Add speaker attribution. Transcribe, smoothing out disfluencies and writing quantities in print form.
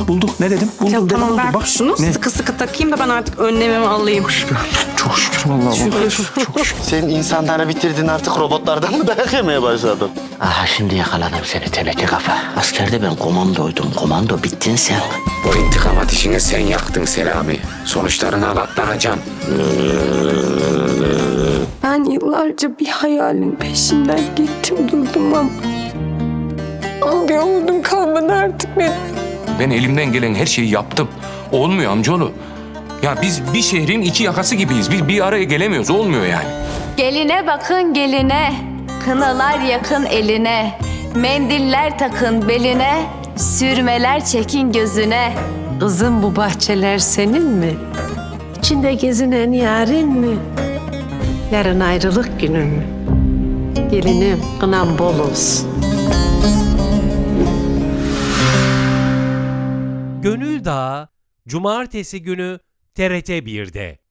Speaker 1: buldum. Ne dedim? Buldum
Speaker 2: Ya
Speaker 1: dedim.
Speaker 2: tamam
Speaker 1: Buldum.
Speaker 2: ver
Speaker 1: Bak.
Speaker 2: şunu
Speaker 1: Ne?
Speaker 2: sıkı sıkı takayım da ben artık önlemimi alayım.
Speaker 1: Çok şükür vallahi.
Speaker 2: Şükür.
Speaker 1: Çok şükür.
Speaker 3: Sen insanları bitirdin artık robotlardan mı dayak yemeye başladın?
Speaker 4: Aha şimdi yakaladım seni teneke kafa. Askerde ben komandoydum. Komando bittin sen.
Speaker 5: Bu intikam ateşini sen yaktın Selami. Sonuçlarına katlanacaksın.
Speaker 6: Ben yıllarca bir hayalin peşinden gittim durdum ama bir umudum kalmadı artık benim.
Speaker 5: Ben elimden gelen her şeyi yaptım. Olmuyor amcaoğlu. Ya biz bir şehrin iki yakası gibiyiz. Biz bir araya gelemiyoruz. Olmuyor yani.
Speaker 7: Geline bakın geline, kınalar yakın eline, mendiller takın beline, sürmeler çekin gözüne.
Speaker 8: Kızım bu bahçeler senin mi? İçinde gezinen yarın mı? Yarın ayrılık günün mü? Gelinim kınan bol olsun.
Speaker 9: Gönül Dağı Cumartesi günü TRT 1'de.